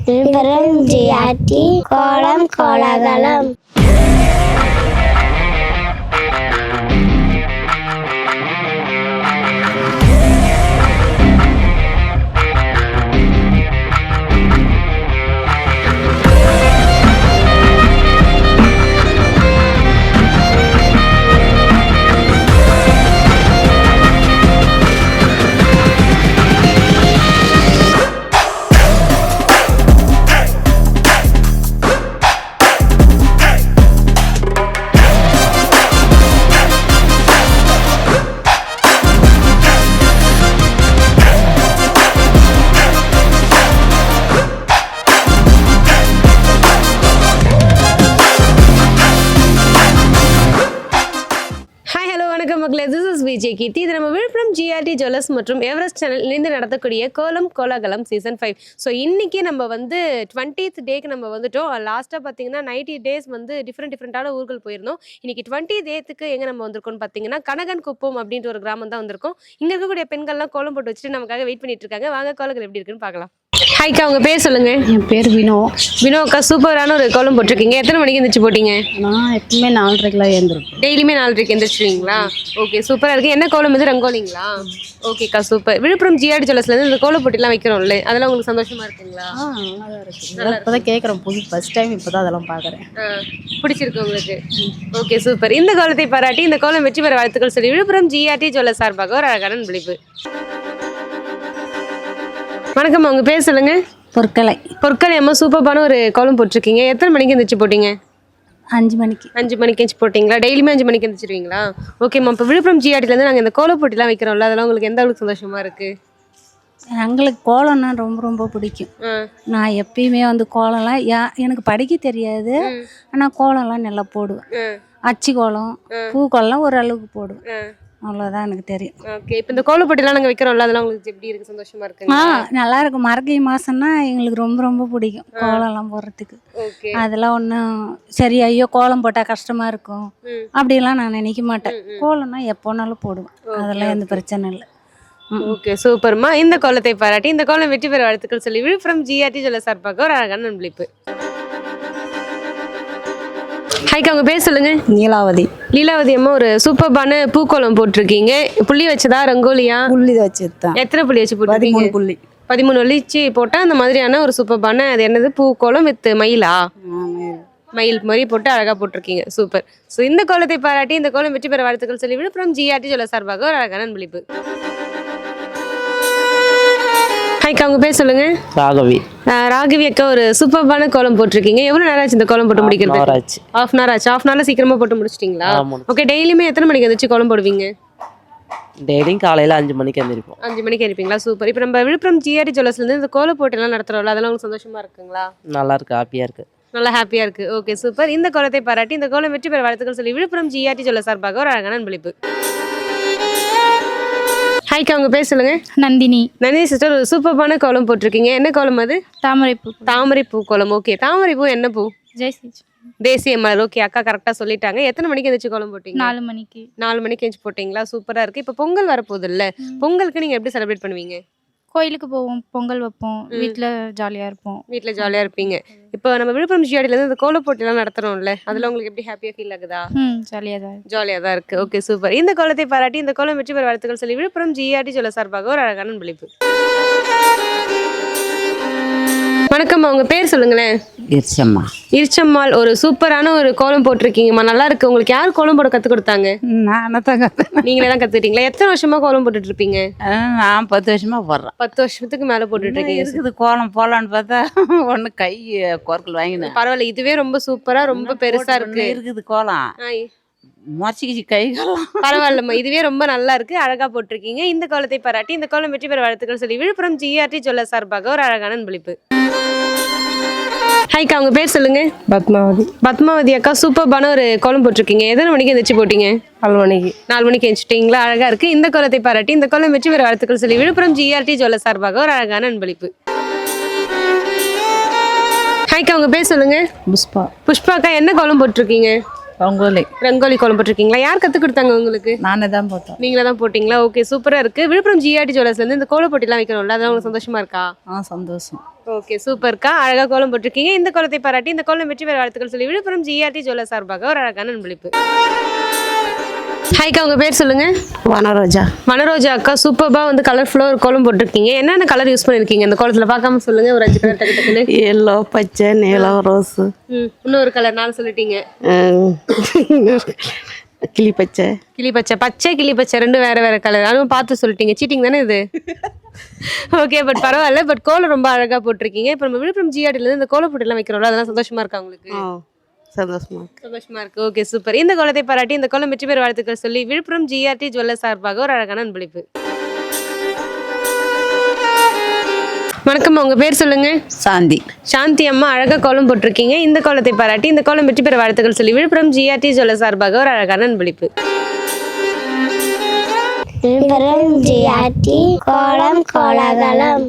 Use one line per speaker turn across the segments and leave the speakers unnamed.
Villupuram GRT கோலம் கோலாகலம்.
This is VJ Kirti. இது நம்ம விழுப்புரம் ஜிஆர்டி ஜுவல்லர்ஸ் மற்றும் எவரெஸ்ட் சேனல் இணைந்து நடத்தக்கூடிய கோலம் கோலாகலம் சீசன் 5. ஸோ இன்னைக்கு நம்ம வந்து 20th டேக்கு நம்ம வந்துட்டோம். லாஸ்ட்டாக பார்த்தீங்கன்னா 90 days வந்து டிஃப்ரெண்டான ஊர்கள் போயிருந்தோம். இன்னைக்கு 20th எங்கே நம்ம வந்திருக்கோம்னு பார்த்தீங்கன்னா கனகன் குப்பம் அப்படின்ற ஒரு கிராமம் தான் வந்திருக்கோம். இங்கே இருக்கக்கூடிய பெண்கள்லாம் கோலம் போட்டு வச்சுட்டு நமக்காக வெயிட் பண்ணிட்டு இருக்காங்க. வாங்க கோலங்கள் எப்படி இருக்குன்னு பார்க்கலாம். ஹாய்க்கா, உங்கள் பேர் சொல்லுங்க.
என் பேர் வினோ.
வினோக்கா, சூப்பரான ஒரு கோலம் போட்டிருக்கீங்க. எத்தனை மணிக்கு எந்திரிச்சு போட்டீங்க?
நான் எப்பவுமே 4:30 எழுந்திருப்பேன்.
டெய்லியுமே 4:30 எந்திரிச்சிருவீங்களா? ஓகே, சூப்பராக இருக்குது. என்ன கோலம் வந்து ரங்கோலிங்களா? ஓகேக்கா, சூப்பர். விழுப்புரம் ஜிஆர்டி ஜுவல்லர்ஸ்லேருந்து இந்த கோலம் போட்டிலாம் வைக்கிறோம்ல, அதெல்லாம் உங்களுக்கு சந்தோஷமா இருக்குங்களா?
நல்லா தான் இருக்குது. இப்போ தான் கேட்குறேன், ஃபர்ஸ்ட் டைம் இப்போ தான் அதெல்லாம் பார்க்குறேன்.
பிடிச்சிருக்கு உங்களுக்கு? Okay, super. இந்த கோலத்தை பாராட்டி இந்த கோலம் வெற்றி பெற வாழ்த்துக்கள் சொல்லி விழுப்புரம் ஜிஆர்டி ஜுவல்லர்ஸ் சார்பாக ஒரு அழகான விழிப்பு. வணக்கம், உங்க பேர் சொல்லுங்க. பொற்களை அம்மா, சூப்பரான ஒரு கோலம் போட்டிருக்கீங்க. எத்தனை மணிக்கு எந்திரிச்சு போட்டீங்க?
5 மணிக்கு.
5 மணிக்கு எந்திரிச்சு போட்டிங்களா? டெய்லியுமே 5 மணிக்கு எந்திரிச்சிருவீங்களா? ஓகேம்மா. இப்போ விழுப்புரம் ஜிஆர்டிலேருந்து நாங்கள் இந்த கோலம் போட்டிலாம் வைக்கிறோம்ல, அதெல்லாம் உங்களுக்கு எந்த அளவுக்கு சந்தோஷமா இருக்கு?
எங்களுக்கு கோலம்னா ரொம்ப ரொம்ப பிடிக்கும். நான் எப்பயுமே வந்து கோலம்லாம் எனக்கு படிக்க தெரியாது, ஆனால் கோலம்லாம் நல்லா போடுவேன். அச்சு கோலம், பூ கோலம் ஓரளவுக்கு போடுவேன். அவ்வளோதான் எனக்கு தெரியும்.
ஓகே, இப்போ இந்த கோலப்பொட்டிலாம் நாங்கள் வைக்கிறோம்ல, அதெல்லாம் உங்களுக்கு எப்படி இருக்குது? சந்தோஷமா இருக்குங்க?
நல்லா இருக்கும். மரகை மாதம்னா எங்களுக்கு ரொம்ப ரொம்ப பிடிக்கும் கோலம்லாம் போடுறதுக்கு. அதெல்லாம் ஒன்றும் சரி ஐயோ கோலம் போட்டால் கஷ்டமாக இருக்கும் அப்படிலாம் நான் நினைக்க மாட்டேன். கோலம்னா எப்போனாலும் போடுவேன், அதெல்லாம் எந்த பிரச்சனை இல்லை.
ஓகே, சூப்பர்மா. இந்த கோலத்தை பாராட்டி இந்த கோலம் வெற்றி பெற வாழ்த்துக்கள் சொல்லி விழுப்புரம் ஜிஆர்டி ஜுவல்லர்ஸ் சார்பாக ஒரு அழகான நண்பளிப்பு. ஹாய்க்கா, உங்க பேர் சொல்லுங்க. லீலாவதி அம்மா, ஒரு சூப்பர்பான பூக்கோலம் போட்டிருக்கீங்க. புள்ளி வச்சதா ரங்கோலியா?
புள்ளி வச்சுதான்.
எத்தனை புள்ளி வச்சு போட்டிருக்கீங்க? 13 வச்சு போட்டா அந்த மாதிரியான ஒரு சூப்பர்பான, அது என்னது, பூக்கோலம் வித் மயிலா? மயில் மாதிரி போட்டு அழகா போட்டிருக்கீங்க. சூப்பர். ஸோ இந்த கோலத்தை பாராட்டி இந்த கோலம் வெற்றி பெற வாழ்த்துக்கள் சொல்லி விழுப்புரம் ஜிஆர்டி ஜுவல்லர்ஸ் சார்பாக ஒரு அழகான விழிப்பு. ஹாய்க்கா, உங்க பேர் சொல்லுங்க. ராகவி அக்கா, ஒரு சூப்பர்பான கோலம் போட்டிருக்கீங்க. எவ்வளவு நேரம் ஆச்சு இந்த கோலம் போட்டு முடிக்கிறது? ½ hour ஆச்சு. ½ hourல சீக்கிரமா போட்டு முடிச்சிட்டீங்களா? ஓகே, டெய்லியுமே எத்தனை மணிக்கு எந்திரிச்சு கோலம் போடுவீங்க?
டெய்லியும் காலையில் 5 மணிக்கு எழுந்திருப்போம்.
5 மணிக்கு எழுப்பீங்களா? சூப்பர். இப்போ நம்ம விழுப்புரம் ஜிஆர்டி ஜுவல்லர்ஸ்லேருந்து இந்த கோல போட்டிலாம் நடத்துகிறோம்ல, அதெல்லாம் உங்களுக்கு சந்தோஷமா இருக்குங்களா?
நல்லா இருக்கு, ஹாப்பியாக இருக்கு.
நல்லா ஹாப்பியாக இருக்கு. Okay, super. இந்த கோலத்தை பாராட்டி இந்த கோலம் வெற்றி பெற வாழ்த்துக்கள் சொல்லி விழுப்புரம் ஜிஆர்டி ஜுவல்லர்ஸ் சார்பாக ஒரு அழகான அன்பளிப்பு. ஹாய்க்கா, உங்க பேர் சொல்லுங்க.
நந்தினி
சிஸ்டர், ஒரு சூப்பர்பான கோலம் போட்டிருக்கீங்க. என்ன கோலம் அது? தாமரைப்பூ கோலம். ஓகே, தாமரைப்பூ என்ன பூ? தேசிய மலர். ஓகே, அக்கா கரெக்டாக சொல்லிட்டாங்க. எத்தனை மணிக்கு எந்திரிச்சு கோலம் போட்டீங்க?
4 மணிக்கு.
4 மணிக்கு எந்திரிச்சு போட்டிங்களா? சூப்பராக இருக்குது. இப்போ பொங்கல் வரப்போகுது இல்லை, பொங்கலுக்கு நீங்கள் எப்படி செலிப்ரேட் பண்ணுவீங்க?
கோயிலுக்கு போவோம், பொங்கல் வைப்போம், வீட்டில் ஜாலியாக இருப்போம்.
வீட்டில் ஜாலியாக இருப்பீங்க. இப்போ நம்ம விழுப்புரம் ஜிஆர்டிலேருந்து இந்த கோல போட்டிலாம் நடத்துகிறோம்ல, அதில் உங்களுக்கு எப்படி ஹாப்பியாக ஃபீல் ஆகுதா? ஜாலியாக தான் இருக்குது. Okay, super. இந்த கோலத்தை பாராட்டி இந்த கோலம் வெற்றி பெற வாழ்த்துக்கள் சொல்லி விழுப்புரம் ஜிஆர்டி ஜுவல்லர்ஸ் சார்பாக ஒரு அழகான விழிப்பு. வணக்கம், உங்க பேர் சொல்லுங்களேன். இருச்சம்மாள், ஒரு சூப்பரான ஒரு கோலம் போட்டிருக்கீங்கம்மா. நல்லா இருக்கு. உங்களுக்கு யார் கோலம் போட கத்து கொடுத்தாங்க? நீங்களே தான் கத்துக்கிட்டீங்களா? எத்தனை வருஷமா கோலம் போட்டுட்டு இருப்பீங்க?
நான் 10 வருஷமா போடுறேன்.
10 வருஷத்துக்கு மேல போட்டுட்டு இருக்கீங்க.
கோலம் போலான்னு பார்த்தா ஒண்ணு கை கோர்க்கல் வாங்கினேன்.
பரவாயில்ல, இதுவே ரொம்ப சூப்பரா, ரொம்ப பெருசா
இருக்குது கோலம்.
பரவாயில்லம்மா, இதுவே ரொம்ப நல்லா இருக்கு, அழகா போட்டிருக்கீங்க. இந்த கோலத்தை பாராட்டி இந்த கோலம் வெற்றி பெற வாழ்த்துக்கள் சொல்லி விழுப்புரம் ஜிஆர்டி ஜுவல்லர்ஸ் சார்பாக ஒரு அழகான அன்பளிப்பு. ஹாய்க்கா, உங்க பேர் சொல்லுங்க. பத்மாவதி அக்கா, சூப்பர்பான ஒரு கோலம் போட்டிருக்கீங்க. எத்தனை மணிக்கு எந்திரிச்சு போட்டீங்க? 4 மணிக்கு எந்திரிச்சிட்டீங்களா? அழகா இருக்கு. இந்த கோலத்தை பாராட்டி இந்த கோலம் வெற்றி பெற வாழ்த்துக்கள் சொல்லி விழுப்புரம் ஜிஆர்டி ஜுவல்லர்ஸ் சார்பாக ஒரு அழகான அன்பளிப்பு. ஹாய்க்கா, உங்க பேர் சொல்லுங்க. புஷ்பா அக்கா, என்ன கோலம் போட்டிருக்கீங்க? ரங்கோலி கோலம் போட்டிருக்கீங்களா? யார் கத்து கொடுத்தாங்க உங்களுக்கு?
நானே தான் போட்டேன்.
நீங்களே தான் போட்டீங்களா? ஓகே, சூப்பரா இருக்கு. விழுப்புரம் ஜிஆர்டி ஜுவல்லர்ஸ்ல இருந்து இந்த கோல போட்டிலாம் வைக்கிறோம்ல, அதெல்லாம் உங்களுக்கு சந்தோஷமா இருக்கா?
சந்தோஷம்.
ஓகே சூப்பர்க்கா, அழகா கோலம் போட்டிருக்கீங்க. இந்த கோலத்தை பாராட்டி இந்த கோலம் வெற்றி பெற வாழ்த்துக்கள் சொல்லி விழுப்புரம் ஜிஆர்டி ஜுவல்லர்ஸ் சார்பாக ஒரு அழகான அன்பளிப்பு. ஹாய்க்கா, உங்க பேர் சொல்லுங்க.
வனரோஜா.
மனரோஜா அக்கா, சூப்பர்பா வந்து கலர்ஃபுல்லாக ஒரு கோலம் போட்டிருக்கீங்க. என்னென்ன கலர் யூஸ் பண்ணிருக்கீங்க இந்த கோலத்துல? பார்க்காம சொல்லுங்க, ஒரு 5 கலர் டக்கு டக்குன்னு.
எல்லோ, பச்சை, நீலம், ரோஸு,
இன்னொரு கலர் 4 சொல்லிட்டீங்க.
கிளி பச்சை.
கிளி பச்சை, பச்சை கிளி பச்சை 2 வேற வேற கலர். அதுவும் பார்த்து சொல்லிட்டீங்க. சீட்டிங் தானே இது? ஓகே, பட் பரவாயில்ல. பட் கோலம் ரொம்ப அழகா போட்டிருக்கீங்க. இப்போ நம்ம விழுப்புரம் ஜிஆர்டில இருந்து இந்த கோல போட்டிலாம் வைக்கிறோம்ல, அதெல்லாம் சந்தோஷமா இருக்கா உங்களுக்கு? சந்தோஷமா இருக்கு. Okay super. இந்த கோலத்தை பாராட்டி இந்த கோலம் வெற்றி பெற வாழ்த்துக்கள் சொல்லி விழுப்புரம் ஜிஆர்டி ஜுவல்லர்ஸ் சார்பாக ஒரு அழகான அன்பளிப்பு. வணக்கம், உங்க பேர் சொல்லுங்க.
சாந்தி.
சாந்தி அம்மா, அழகா கோலம் போட்டிருக்கீங்க. இந்த கோலத்தை பாராட்டி இந்த கோலம் வெற்றி பெற வாழ்த்துக்கள் சொல்லி விழுப்புரம் ஜிஆர்டி ஜுவல்லர்ஸ் சார்பாக ஒரு அழகான அன்பளிப்பு.
விழுப்புரம் ஜிஆர்டி கோலம் கோலாகலம்.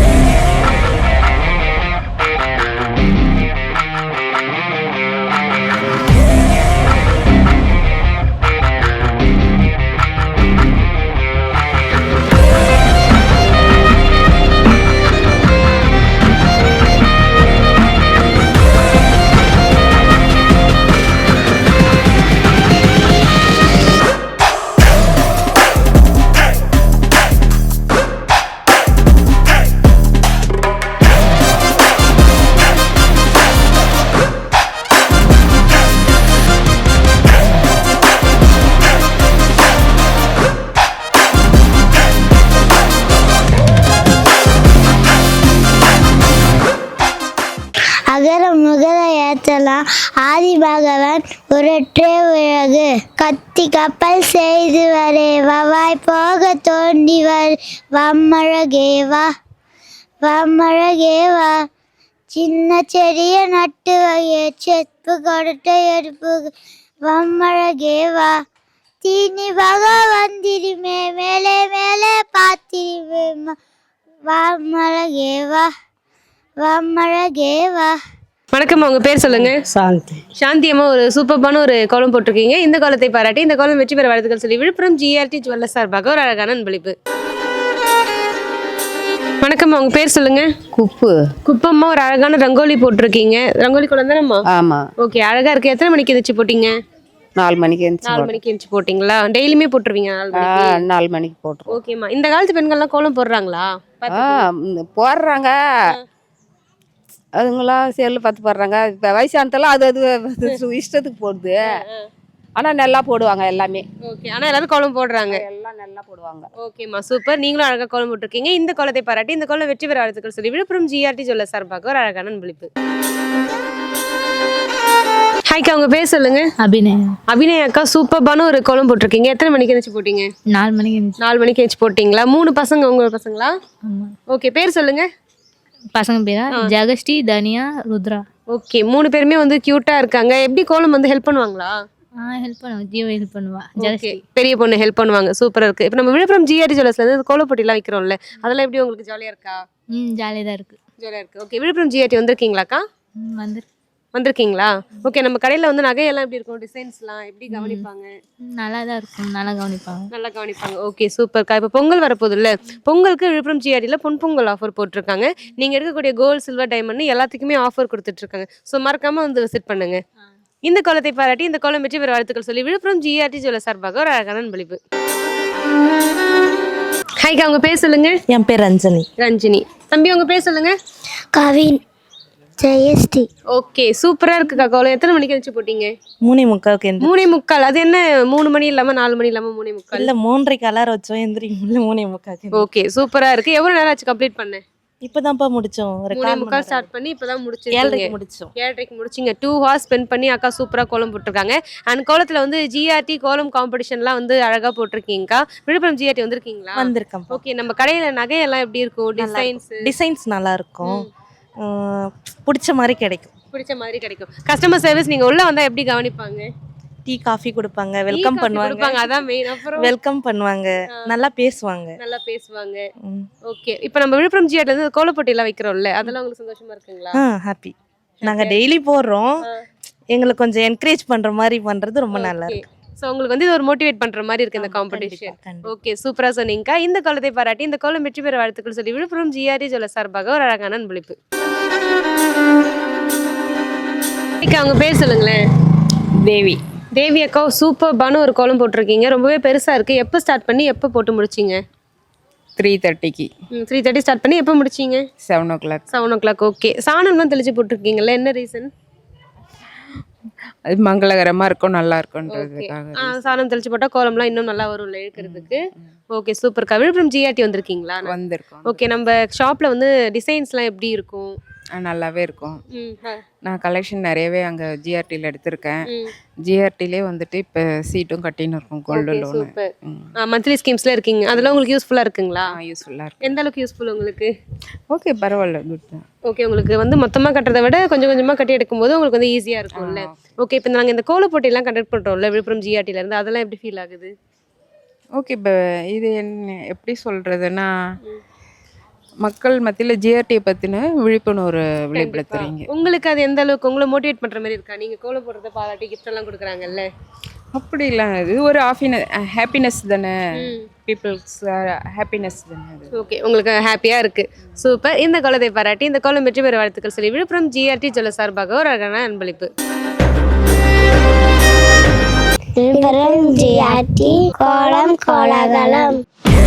அகர முகர ஏற்றலாம் ஆதி பகவான் ஒரற்றே உலகு. கத்தி கப்பல் செய்து வரே வவாய் போக தோண்டி வர் வம்மழகேவா வம்மழகேவா. சின்ன செடிய நட்டு வகைய செப்பு கொடுத்த எடுப்பு வம்மழகேவா. தீனி வக வந்திருமே மேலே மேலே பார்த்திருமே வம்மழகேவா வம்மழகேவா.
வணக்கம், உங்க பேர் சொல்லுங்க.
சாந்தி.
சாந்தி அம்மா, ஒரு சூப்பர்பான ஒரு கோலம் போட்டிருக்கீங்க. இந்த கோலத்தை பாராட்டி இந்த கோலம் வெற்றி பெற வாழ்த்துக்கள் சொல்லி விழுப்புரம் ஜிஆர்டி ஜுவல்லர்ஸ் சார்பாக ஒரு அழகான அன்பளிப்பு. வணக்கம், உங்க பேர் சொல்லுங்க.
குப்பு.
குப்பம்மா, ஒரு அழகான ரங்கோலி போட்டிருக்கீங்க. ரங்கோலி கோலம் தானேம்மா?
ஆமா.
ஓகே, அழகா இருக்கு. எத்தனை மணிக்கு எந்திரிச்சு போட்டீங்க?
4 மணிக்கு எந்திரிச்சு
4 மணிக்கு எந்திரிச்சு போட்டிங்களா? டெய்லியுமே போட்டுருவீங்க 4 மணிக்கு?
4 மணிக்கு போட்டுருவோம்.
ஓகேம்மா, இந்த காலத்து பெண்கள்லாம் கோலம் போடுறாங்களா?
போடுறாங்க. அதுங்களாம் செல்லு பார்த்து போடுறாங்க. இப்போ வயசானதெல்லாம் அது இஷ்டத்துக்கு போடுது. ஆனால் நல்லா போடுவாங்க எல்லாமே.
ஓகே, ஆனால் எல்லாரும் கோலம் போடுறாங்க.
எல்லாம் நல்லா போடுவாங்க.
ஓகேம்மா, சூப்பர். நீங்களும் அழகாக கோலம் போட்டிருக்கீங்க. இந்த கோலத்தை பாராட்டி இந்த கோலம் வெற்றி பெற வாழ்த்துக்கள் சொல்லி விழுப்புரம் ஜிஆர்டி ஜுவல்லர்ஸ் சார்பாக ஒரு அழகான அன்பளிப்பு. ஹாய்க்கா, உங்க பேர் சொல்லுங்க.
அபிநயா.
அபிநயா அக்கா, சூப்பர்பான ஒரு கோலம் போட்டிருக்கீங்க. எத்தனை மணிக்கு எழுந்துச்சு போட்டீங்க?
4 மணிக்கு இருந்துச்சு.
4 மணிக்கு எழுந்துச்சு போட்டிங்களா? 3 பசங்க உங்க பசங்களா? ஓகே, பேர் சொல்லுங்க.
பசங்க பேரா ஜெகஸ்ரீ, தனியா, ருத்ரா.
ஓகே, 3 பேருமே வந்து கியூட்டா இருக்காங்க. எப்படி கோலம் வந்து ஹெல்ப் பண்ணுவாங்களா?
ஹெல்ப் பண்ணுவா. ஜீவ ஹெல்ப் பண்ணுவா.
ஓகே, பெரிய பொண்ணு ஹெல்ப் பண்ணுவாங்க. சூப்பரா இருக்கு. இப்போ நம்ம விழுப்புரம் ஜிஆர்டி ஜுவல்லர்ஸ்ல இருந்து கோல போட்டிலாம் வைக்கிறோம்ல, அதெல்லாம் எப்படி உங்களுக்கு ஜாலியா இருக்கா?
ஜாலியாக தான் இருக்கு.
ஜாலியா இருக்கு. ஓகே, விழுப்புரம் ஜிஆர்டி வந்திருக்கீங்களாக்கா? வந்திருக்கீங்களா? ஓகே, நம்ம கடையில வந்து நகையெல்லாம் எப்படி இருக்கும்? டிசைன்ஸ்லாம் எப்படி கவனிப்பாங்க?
நல்லா தான் இருக்கும். நல்லா கவனிப்பாங்க.
ஓகே, சூப்பர்க்கா. இப்போ பொங்கல் வரப்போகுது இல்லை? பொங்கலுக்கு விழுப்புரம் ஜிஆர்டியில் பொங்கல் ஆஃபர் போட்டிருக்காங்க. நீங்கள் எடுக்கக்கூடிய கோல்டு, சில்வர், டைமண்ட் எல்லாத்துக்குமே ஆஃபர் கொடுத்துட்ருக்காங்க. ஸோ மறக்காமல் வந்து விசிட் பண்ணுங்க. இந்த கோலத்தை பாராட்டி இந்த கோலம் வெற்றி பெற வாழ்த்துக்கள் சொல்லி விழுப்புரம் ஜிஆர்டி ஜுவல்லர்ஸ் சார்பாக ஒரு அழகான அன்பளிப்பு. ஹாய்க்கா, உங்க பேர் சொல்லுங்க.
என் பேர் ரஞ்சனி.
ரஞ்சினி. தம்பி, உங்க பேர் சொல்லுங்க.
கவின் ஜெயஸ்ரீ.
ஓகே, சூப்பரா இருக்குக்கா கோலம். எத்தனை மணிக்கு எழுந்துச்சு போட்டீங்க?
3:45.
3:45. அது என்ன 3 மணி இல்லாம 4 மணி இல்லாம 3:45?
இல்ல 3:30 அலாரம் வச்சோம், எந்திரிக்கல 3:45.
ஓகே, சூப்பரா இருக்கு. எவ்வளவு நேரம் ஆச்சு கம்ப்ளீட் பண்ண?
இப்பதான்ப்பா முடிச்சோம். ஒரு
3:45 ஸ்டார்ட் பண்ணி இப்பதான் முடிச்சிருக்கீங்க.
7:30 முடிச்சோம்.
7:30 முடிச்சிங்க. 2 hours ஸ்பெண்ட் பண்ணி அக்கா சூப்பரா கோலம் போட்டிருக்காங்க. அண்ட் கோலத்துல வந்து ஜிஆர்டி கோலம் காம்படிஷன்லாம் வந்து அழகா போட்டிருக்கீங்கக்கா. விழுப்புரம் ஜிஆர்டி வந்திருக்கீங்களா?
வந்திருக்கேன்.
ஓகே, நம்ம கடையில நகையெல்லாம் எப்படி இருக்கும்?
டிசைன்ஸ் நல்லா இருக்கும். பிடிச்ச மாதிரி கிடைக்கும்.
கஸ்டமர் சர்வீஸ் நீங்க உள்ள வந்தா எப்படி கவனிப்பாங்க?
டீ காஃபி கொடுப்பாங்க, வெல்கம் பண்ணுவாங்க.
அதான் மெயின். அப்புறம்
வெல்கம் பண்ணுவாங்க, நல்லா பேசுவாங்க.
ஓகே, இப்போ நம்ம விழுப்புரம் ஜிஆர்டில இருந்து கோலப்போட்டி எல்லாம் வைக்கிறோம்ல, அதெல்லாம் உங்களுக்கு சந்தோஷமா இருக்குங்களா?
ஹாப்பி. நாங்க டெய்லி போடுறோம். எங்களுக்கு கொஞ்சம் என்கரேஜ் பண்ற மாதிரி பண்றது ரொம்ப நல்லா இருக்கு.
ஸோ உங்களுக்கு வந்து இது ஒரு மோட்டிவேட் பண்ற மாதிரி இருக்கு இந்த காம்படிஷன். ஓகே, சூப்பரா சொன்னீங்கக்கா. இந்த கோலத்தை பாராட்டி இந்த கோலம் வெற்றி பெற வாழ்த்துக்கள் சொல்லி விழுப்புரம் ஜிஆர்டி ஜுவல்லர்ஸ் சார்பாக ஒரு அழகான அன்பளிப்பு. அவங்க பேர் சொல்லுங்களேன்.
தேவி.
தேவி அக்கா, சூப்பர்பான ஒரு கோலம் போட்டிருக்கீங்க. ரொம்பவே பெருசா இருக்கு. எப்போ ஸ்டார்ட் பண்ணி எப்போ போட்டு முடிச்சிங்க?
3:30க்கு.
3:30 ஸ்டார்ட் பண்ணி எப்போ முடிச்சிங்க?
7 o'clock.
7 o'clock. ஓகே, சாணம்லாம் தெளிச்சு போட்டிருக்கீங்கல்ல, என்ன ரீசன்?
அது மங்களகரமா இருக்கும், நல்லா இருக்கும்ன்றதுக்காக.
சாணம் தெளிச்சு போட்டா கோலம்லாம் இன்னும் நல்லா வரும்ல இழுக்கிறதுக்கு. ஓகே, சூப்பர்க்கா. விழுப்புரம் ஜிஆர்டி வந்திருக்கீங்களா?
வந்திருக்கோம்.
ஓகே, நம்ம ஷாப்ல வந்து டிசைன்ஸ்லாம் எப்படி இருக்கும்?
நல்லாவே இருக்கும். நான் கலெக்ஷன் நிறையவே அங்கே ஜிஆர்டியில் எடுத்திருக்கேன். ஜிஆர்டிலே வந்துட்டு இப்போ சீட்டும் கட்டின்னு இருக்கும், கோல்டு லோனு.
மந்த்லி ஸ்கீம்ஸ்ல இருக்கீங்க, அதெல்லாம் உங்களுக்கு யூஸ்ஃபுல்லா இருக்குங்களா?
யூஸ்ஃபுல்லாக இருக்கு.
எந்த அளவுக்கு யூஸ்ஃபுல் உங்களுக்கு?
ஓகே, பரவாயில்ல, குட் தான்.
ஓகே, உங்களுக்கு வந்து மொத்தமாக கட்டுறதை விட கொஞ்சம் கொஞ்சமாக கட்டி எடுக்கும்போது உங்களுக்கு வந்து ஈஸியாக இருக்கும்ல. ஓகே, இப்போ நாங்கள் இந்த கோல போட்டியெல்லாம் கண்டக்ட் பண்ணுறோம்ல விழுப்புரம் ஜிஆர்டில இருந்து, அதெல்லாம் எப்படி ஃபீல் ஆகுது?
ஓகே, இப்போ இது என்ன எப்படி சொல்கிறதுன்னா, மக்கள் மத்தியில் ஜிஆர்டியை பற்றின விழிப்புணர்வு விளையாடுறீங்க.
உங்களுக்கு அது எந்த அளவுக்கு உங்களை மோட்டிவேட் பண்ணுற மாதிரி இருக்கா? நீங்கள் கோல போடுறத பாராட்டி கிஃப்ட் எல்லாம் கொடுக்குறாங்கல்ல,
அப்படி இல்லை, இது ஒரு ஹாப்பினஸ் தானே, பீப்புள்ஸ் ஹாப்பினஸ் தானே.
ஓகே, உங்களுக்கு ஹாப்பியாக இருக்குது. சூப்பர். இந்த கோலத்தை பாராட்டி இந்த கோலம் வெற்றி பெற வாழ்த்துக்கள் சொல்லி விழுப்புரம் ஜிஆர்டி ஜுவல்லர்ஸ் சார்பாக ஒரு அழகான அன்பளிப்பு.
விழுப்புரம் ஜிஆர்டி கோலம் கோலாகலம்.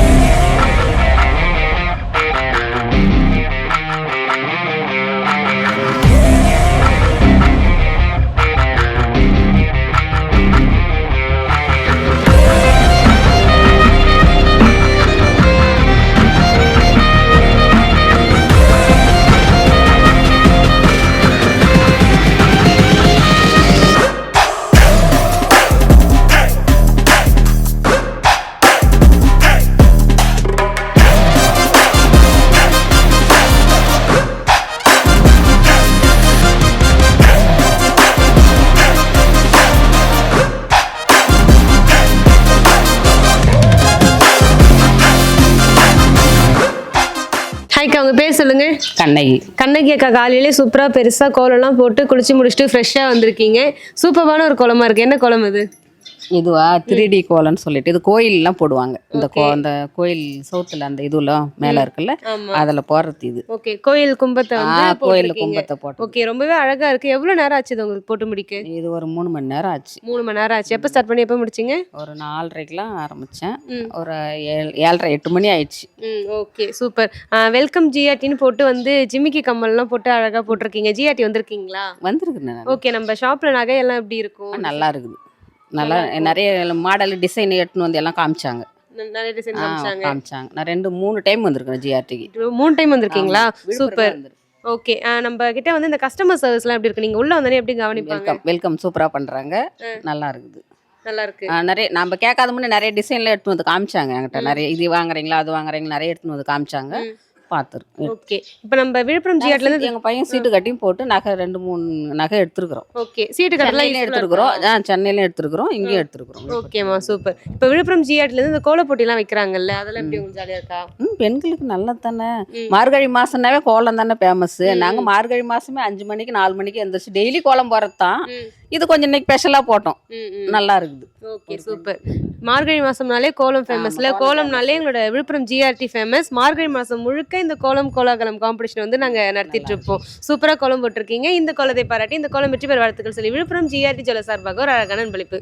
ஹாய்க்கா, உங்கள் பேர் சொல்லுங்க.
கண்ணகி.
கண்ணகி அக்கா, காலையிலே சூப்பராக பெருசாக கோலம்லாம் போட்டு குளிச்சு முடிச்சுட்டு ஃப்ரெஷ்ஷாக வந்திருக்கீங்க. சூப்பரான ஒரு கோலமாக இருக்குது. என்ன கோலம் இது?
இதுவா 3D கோலம்னு சொல்லிட்டு இது கோயிலெலாம் போடுவாங்க. இந்த அந்த கோயில் சவுத்தில் அந்த இதுலாம் மேலே இருக்குல்ல, அதில் போடுறது இது.
ஓகே, கோயில் கும்பத்தை வந்து
கோயில் கும்பத்தை போட்டு.
ஓகே, ரொம்பவே அழகாக இருக்குது. எவ்வளோ நேரம் ஆச்சு இது உங்களுக்கு போட்டு முடிக்க?
இது ஒரு 3 மணி நேரம் ஆச்சு.
3 மணி நேரம் ஆச்சு. எப்போ ஸ்டார்ட் பண்ணி எப்போ முடிச்சிங்க?
ஒரு 4:30க்கெலாம் ஆரம்பித்தேன். ஒரு 7:30 8 மணி ஆயிடுச்சு.
Okay, super. வெல்கம் ஜிஆர்டின்னு போட்டு வந்து ஜிமிக்கி கம்மல்லாம் போட்டு அழகாக போட்டிருக்கீங்க. ஜிஆர்டி வந்திருக்கீங்களா?
வந்திருக்குண்ணே.
ஓகே, நம்ம ஷாப்பில் நகையெல்லாம் எப்படி இருக்கும்?
நல்லா இருக்குது. நல்லா நிறைய மாடல் டிசைன் எடுத்துன்னு வந்து எல்லாம் காமிச்சாங்க.
நிறைய டிசைன்
காமிச்சாங்க. நான் 2-3 டைம் வந்திருக்கேன் ஜிஆர்டிக்கு.
3 டைம் வந்திருக்கீங்களா? சூப்பர். ஓகே, நம்ம கிட்ட வந்து இந்த கஸ்டமர் சர்வீஸ்லாம் எப்படி இருக்கு? நீங்க உள்ள வந்தனே எப்படி கவனிப்பாங்க?
வெல்கம் சூப்பரா பண்றாங்க. நல்லா இருக்குது.
நல்லா இருக்கு.
நிறைய நம்ம கேட்காத முன்னே நிறைய டிசைன்ல எடுத்து வந்து காமிச்சாங்க என்கிட்ட. நிறைய இது வாங்குறீங்களா அது வாங்குறீங்களா நிறைய எடுத்து வந்து காமிச்சாங்க. பார்த்துருக்கோம்.
ஓகே, இப்போ நம்ம விழுப்புரம் ஜிஆர்டில இருந்து
எங்கள் பையன் சீட்டு கட்டியும் போட்டு நகை 2-3 நகை எடுத்துருக்குறோம்.
ஓகே, சீட்டு கட்டலாம்
எடுத்துருக்குறோம். சென்னையிலையும் எடுத்துருக்குறோம், இங்கேயும் எடுத்துருக்குறோம்.
ஓகேம்மா, சூப்பர். இப்போ விழுப்புரம் ஜிஆர்டில இருந்து இந்த கோல போட்டிலாம் வைக்கிறாங்கல்ல, அதெல்லாம் எப்படி உங்களுக்கு ஜாலியாக இருக்கா?
பெண்களுக்கு நல்லது தானே. மார்கழி மாசம்னாவே கோலம் தானே ஃபேமஸ். நாங்கள் மார்கழி மாசமே 5 மணிக்கு 4 மணிக்கு எழுந்திரிச்சு டெய்லி கோலம் போகிறது தான். இது கொஞ்சம் இன்னைக்கு ஸ்பெஷலாக போட்டோம். நல்லா இருக்குது.
Okay, super. மார்கழி மாசம்னாலே கோலம் ஃபேமஸ்ல, கோலம்னாலே எங்களோட விழுப்புரம் ஜிஆர்டி ஃபேமஸ். மார்கழி மாசம் முழுக்க இந்த கோலம் கோலாகலம் காம்படிஷன் வந்து நாங்க நடத்திட்டு இருப்போம். சூப்பரா கோலம் போட்டிருக்கீங்க. இந்த கோலத்தை பாராட்டி இந்த கோலம் வெற்றி பெற வாழ்த்துக்கள் சொல்லி விழுப்புரம் ஜிஆர்டி ஜுவல்லர்ஸ் சார்பாக ஒரு அழகான அன்பளிப்பு.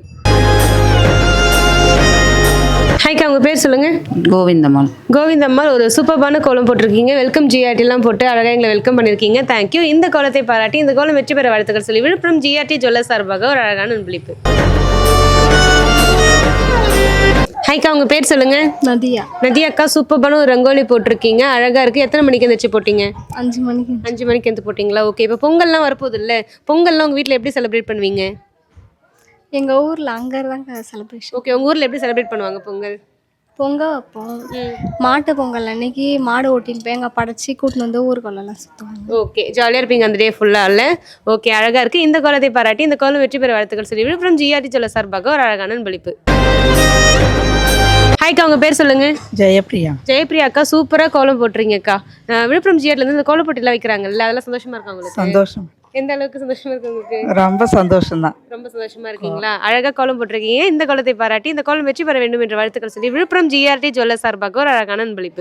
ஹாய்க்கா, உங்க பேர் சொல்லுங்க.
கோவிந்தம்மாள்.
கோவிந்தம்மாள், ஒரு சூப்பர்பான கோலம் போட்டிருக்கீங்க. வெல்கம் ஜிஆர்டிலாம் போட்டு அழகாக எங்களை வெல்கம் பண்ணியிருக்கீங்க. தேங்க்யூ. இந்த கோலத்தை பாராட்டி இந்த கோலம் வெற்றி பெற வாழ்த்துக்கள் சொல்லி விழுப்புரம் ஜிஆர்டி ஜுவல்லர்ஸ் சார்பாக ஒரு அழகான அன்பளிப்பு. ஹாய்க்கா, உங்க பேர் சொல்லுங்க.
நதியா.
நதியா அக்கா, சூப்பர்பான ஒரு ரங்கோலி போட்டிருக்கீங்க. அழகா இருக்கு. எத்தனை மணிக்கு எந்திரிச்சு போட்டீங்க?
5 மணிக்கு.
5 மணிக்கு எந்த போட்டிங்களா? ஓகே, இப்போ பொங்கல்லாம் வரப்போகுது இல்லை? பொங்கல்லாம் உங்கள் வீட்டில் எப்படி செலிப்ரேட் பண்ணுவீங்க?
எங்கள் ஊரில் அங்கே தாங்க செலிப்ரேஷன்.
ஓகே, உங்கள் ஊரில் எப்படி செலிப்ரேட் பண்ணுவாங்க பொங்கல்?
பொங்கல் வைப்போம். மாட்டு பொங்கல் அன்னைக்கு மாடு ஓட்டின்னு போய் எங்கள் படைச்சி கூட்டின்னு வந்து ஊருக்குள்ளெல்லாம் சுற்றுவாங்க.
ஓகே, ஜாலியாக இருப்பீங்க அந்த டே ஃபுல்லாக இல்லை? ஓகே, அழகாக இருக்குது. இந்த கோலத்தை பாராட்டி இந்த கோலம் வெற்றி பெற வாழ்த்துக்கள் சொல்லி விழுப்புரம் ஜிஆர்டி ஜுவல்லர்ஸ் சார்பாக ஒரு அழகான அன்பளிப்பு. ஹாய்க்கா, உங்க பேர் சொல்லுங்க.
ஜெயப்பிரியா.
ஜெயப்பிரியா அக்கா, சூப்பரா கோலம் போட்டுறீங்கக்கா. விழுப்புரம் ஜிஆர்ல இருந்து இந்த கோலம் போட்டிலாம் வைக்கிறாங்கல்ல, அதெல்லாம் சந்தோஷமா இருக்கா உங்களுக்கு?
சந்தோஷம்.
எந்த அளவுக்கு சந்தோஷமா இருக்கு உங்களுக்கு?
ரொம்ப சந்தோஷம் தான்.
ரொம்ப சந்தோஷமா இருக்கீங்களா? அழகா கோலம் போட்டிருக்கீங்க. இந்த கோலத்தை பாராட்டி இந்த கோலம் வெற்றி பெற வேண்டும் என்ற வாழ்த்துக்கள் சொல்லி விழுப்புரம் ஜிஆர்டி ஜுவல்லர்ஸ் சார்பாக ஒரு அழகான அன்பளிப்பு.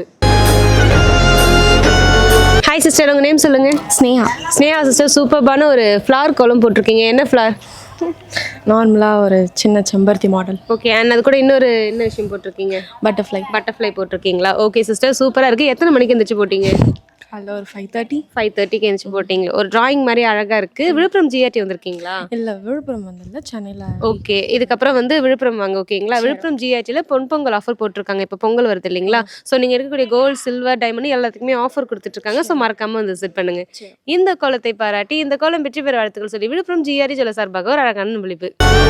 ஹாய் சிஸ்டர், உங்க நேம் சொல்லுங்க.
ஸ்னேகா.
ஸ்னேகா சிஸ்டர், சூப்பர்பான ஒரு ஃப்ளவர் கோலம் போட்டிருக்கீங்க. என்ன ஃப்ளவர்?
நார்மலாக ஒரு சின்ன செம்பருத்தி மாடல்.
ஓகே, அண்ட் அது கூட இன்னொரு என்ன விஷயம் போட்டிருக்கீங்க? பட்டர்ஃப்ளை போட்டிருக்கீங்களா? ஓகே சிஸ்டர், சூப்பராக இருக்குது. எத்தனை மணிக்கு எந்திரிச்சு போட்டீங்க?
அதில் ஒரு 5:30.
5:30க்கு எந்திரிச்சு போட்டிங்களா? ஒரு டிராயிங் மாதிரி அழகாக இருக்குது. விழுப்புரம் ஜிஆர்டி வந்திருக்கீங்களா?
இல்லை, விழுப்புரம் வந்து சென்னையில்.
ஓகே, இதுக்கப்புறம் வந்து விழுப்புரம் வாங்க. ஓகேங்களா? விழுப்புரம் ஜிஆர்டியில் பொங்கல் ஆஃபர் போட்டிருக்காங்க. இப்போ பொங்கல் வருது இல்லைங்களா? ஸோ நீங்கள் இருக்கக்கூடிய கோல்டு, சில்வர், டைமண்ட் எல்லாத்துக்குமே ஆஃபர் கொடுத்துட்ருக்காங்க. ஸோ மறக்காமல் வந்து விசிட் பண்ணுங்க. இந்த கோலத்தை பாராட்டி இந்த கோலம் வெற்றி பெற வாழ்த்துக்கள் சொல்லி விழுப்புரம் ஜிஆர்டி ஜுவல்லர்ஸ் சார்பாக ஒரு அழகான விழிப்பு.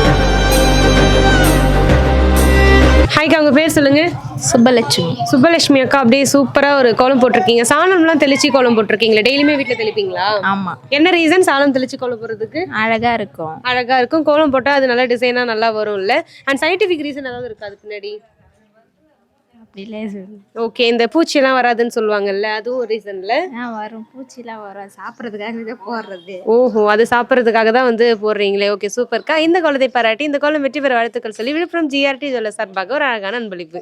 ஹாய்க்கா, உங்க பேர் சொல்லுங்க.
சுப்பலட்சுமி.
சுப்பலட்சுமி அக்கா, அப்படியே சூப்பரா ஒரு கோலம் போட்டிருக்கீங்க. சாணம்லாம் தெளிச்சு கோலம் போட்டிருக்கீங்களா? டெய்லியுமே வீட்டில் தெளிப்பீங்களா?
ஆமாம்.
என்ன ரீசன் சாணம் தெளிச்சு கோலம் போடுறதுக்கு?
அழகா இருக்கும்.
அழகா இருக்கும். கோலம் போட்டால் அது நல்லா டிசைனாக நல்லா வரும் இல்லை? அண்ட் சயின்டிஃபிக் ரீசன் ஏதாவது இருக்கா அதுக்கு பின்னாடி?
அப்படிலே
ஓகே, இந்த பூச்சியெல்லாம் வராதுன்னு சொல்லுவாங்கல்ல, அதுவும் ஒரு ரீசன்ல
வரும். பூச்சிலாம் வரும், சாப்பிட்றதுக்காக இதை போடுறது.
ஓஹோ, அது சாப்பிட்றதுக்காக தான் வந்து போடுறீங்களே. ஓகே சூப்பர்க்கா. இந்த கோலத்தை பாராட்டி இந்த கோலம் வெற்றி பெற வாழ்த்துக்கள் சொல்லி விழுப்புரம் ஜிஆர்டி ஜுவல்லர்ஸ் சார்பாக ஒரு அழகான அன்பளிப்பு.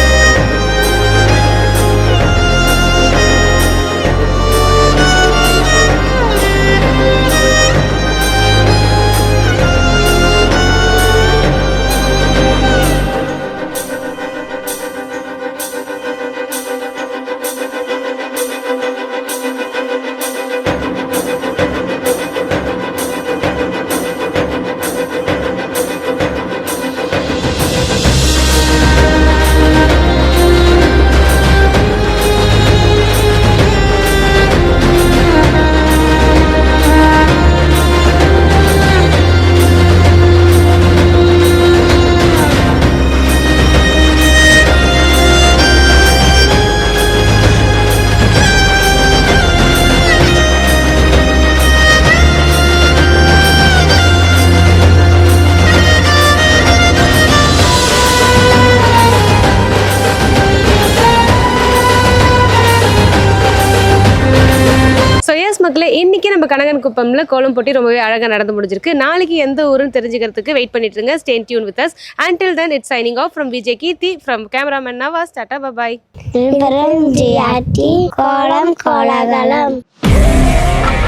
மக்களே, இன்னைக்கு நம்ம கனகன்குப்பம்ல கோலம் போட்டி ரொம்பவே அழகாக நடந்து முடிஞ்சிருக்கு. நாளைக்கு எந்த ஊருன்னு தெரிஞ்சுக்கிறதுக்கு வெயிட் பண்ணிட்டு இருங்க. Stay tuned with us. Until then, it's signing off from VJ Keerthi, from cameraman Nawaz. Tata, bye bye.
Viluppuram GRT கோலம் கோலாகலம்.